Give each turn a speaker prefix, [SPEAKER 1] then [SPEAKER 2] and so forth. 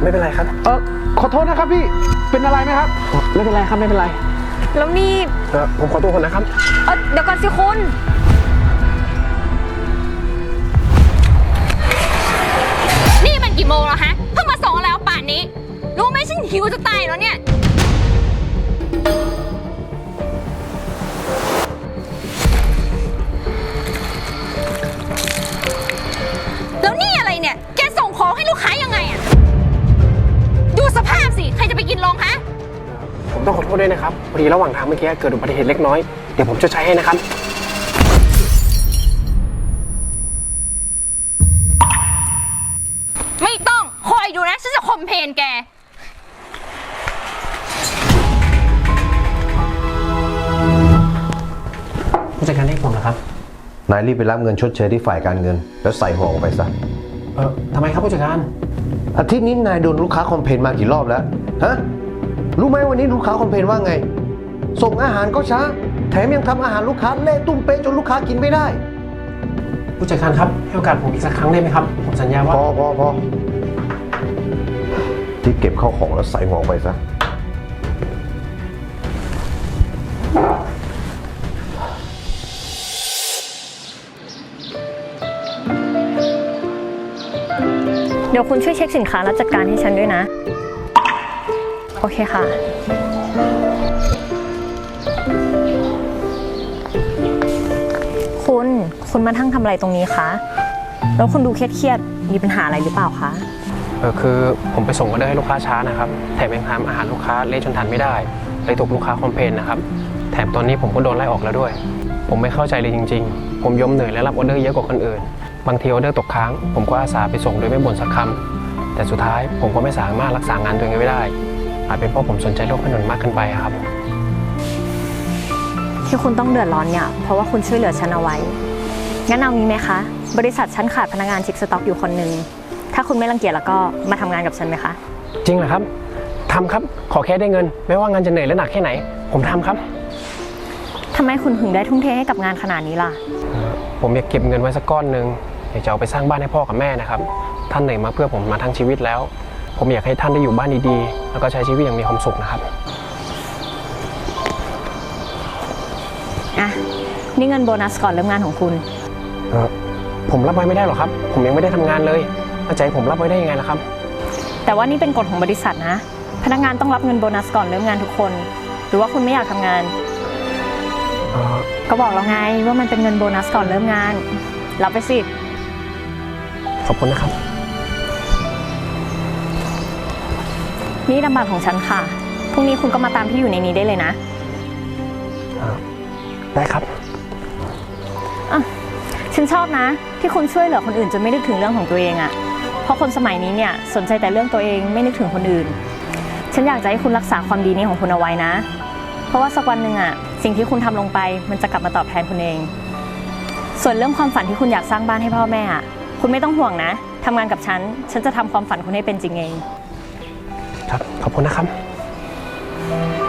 [SPEAKER 1] ไม่เป็นไรครับ
[SPEAKER 2] ขอโทษนะครับพี่เป็นอะไรไหมครับไม่เป็นไรครับไม่เป็นไร
[SPEAKER 3] แล้วนี่
[SPEAKER 1] ผมขอตัวก่อนนะครับ
[SPEAKER 3] เดี๋ยวก่อนสิคุณนี่มันกี่โมงแล้วฮะเพิ่งมาส่งแล้วป่านนี้รู้ไหมฉันหิวจะตายแล้วเนี่ยแล้วนี่อะไรเนี่ยแกส่งของให้ลูกค้ายังไงอะดูสภาพสิใครจะไปกินลงฮะ
[SPEAKER 1] ผมต้องขอโทษด้วยนะครับพอดีระหว่างทางเมื่อกี้เกิดอุบัติเหตุเล็กน้อยเดี๋ยวผมจะใช้ให้นะครับ
[SPEAKER 3] ไม่ต้องคอยดูนะฉันจะคอมเพลนแก
[SPEAKER 1] ผู้จัดการเรียกผมนะครับ
[SPEAKER 4] นายรีบไปรับเงินชดเชยที่ฝ่ายการเงินแล้วใส่ห่อออกไปซะ
[SPEAKER 1] ทำไมครับผู้จัดการ
[SPEAKER 4] อาทิตย์นี้นายโดนลูกค้าคอมเพลนมากี่รอบแล้วฮะรู้ไหมวันนี้ลูกค้าคอมเพลนว่าไงส่งอาหารก็ช้าแถมยังทำอาหารลูกค้าเละตุ้มเป๊ะจนลูกค้ากินไม่ได้
[SPEAKER 1] ผู้จัดการครับให้โอกาสผมอีกสักครั้งได้ไหมครับผมสัญญาว่า
[SPEAKER 4] พอที่เก็บเข้าของแล้วใส่ห่อไปซะ
[SPEAKER 3] เดี๋ยวคุณช่วยเช็คสินค้าแล้วจัดการให้ฉันด้วยนะโอเคค่ะคุณมาทั้งทำอะไรตรงนี้คะแล้วคุณดูเครียดมีปัญหาอะไรหรือเปล่าคะ
[SPEAKER 1] คือผมไปส่งออเดอร์ให้ลูกค้าช้านะครับแถมยังทำอาหารลูกค้าเละจนทานไม่ได้เลยถูกลูกค้าคอมเพลนนะครับแถมตอนนี้ผมก็โดนไล่ออกแล้วด้วยผมไม่เข้าใจเลยจริงๆผมยอมเหนื่อยและรับออเดอร์เยอะกว่าคนอื่นบางทีออเดอร์ตกค้างผมก็อาสาไปส่งโดยไม่บ่นสักคำแต่สุดท้ายผมก็ไม่สามารถรักษางานตัวเองไว้ได้อาจเป็นเพราะผมสนใจโลกถนนมากเกินไปครับ
[SPEAKER 3] ที่คุณต้องเดือดร้อนเนี่ยเพราะว่าคุณช่วยเหลือฉันเอาไว้งั้นเอางี้ไหมคะบริษัทฉันขาดพนักงานเช็คสต็อกอยู่คนหนึ่งถ้าคุณไม่รังเกียจแล้วก็มาทำงานกับฉันไหมคะ
[SPEAKER 1] จริงเหรอครับทำครับขอแค่ได้เงินไม่ว่างานจะเหนื่อยและหนักแค่ไหนผมทำครับ
[SPEAKER 3] ทำไมคุณถึงได้ทุ่มเทให้กับงานขนาดนี้ล่ะ
[SPEAKER 1] ผมอยากเก็บเงินไว้สักก้อนหนึ่งอยากจะเอาไปสร้างบ้านให้พ่อกับแม่นะครับท่านเหนื่อยมาเพื่อผมมาทั้งชีวิตแล้วผมอยากให้ท่านได้อยู่บ้านดีๆแล้วก็ใช้ชีวิตอย่างมีความสุขนะครับ
[SPEAKER 3] นี่เงินโบนัสก่อนเริ่มงานของคุณ
[SPEAKER 1] ผมรับไว้ไม่ได้หรอกครับผมยังไม่ได้ทำงานเลยใจผมรับไว้ได้ยังไงล่ะครับ
[SPEAKER 3] แต่ว่านี่เป็นกฎของบริษัทนะพนักงานต้องรับเงินโบนัสก่อนเริ่มงานทุกคนหรือว่าคุณไม่อยากทำงานก็บอกแล้วไงว่ามันเป็นเงินโบนัสก่อนเริ่มงานรับไปสิ
[SPEAKER 1] ขอบคุณนะครับ
[SPEAKER 3] นี่นามบัตรของฉันค่ะพรุ่งนี้คุณก็มาตามที่อยู่ในนี้ได้เลยนะ
[SPEAKER 1] ได้ครับ
[SPEAKER 3] ฉันชอบนะที่คุณช่วยเหลือคนอื่นจนไม่นึกถึงเรื่องของตัวเองอะเพราะคนสมัยนี้เนี่ยสนใจแต่เรื่องตัวเองไม่นึกถึงคนอื่นฉันอยากจะให้คุณรักษาความดีนี้ของคุณเอาไว้นะเพราะว่าสักวันหนึ่งอะสิ่งที่คุณทำลงไปมันจะกลับมาตอบแทนคุณเองส่วนเรื่องความฝันที่คุณอยากสร้างบ้านให้พ่อแม่อะคุณไม่ต้องห่วงนะทำงานกับฉันจะทำความฝันคุณให้เป็นจริงเอง
[SPEAKER 1] ครับขอบคุณนะครับ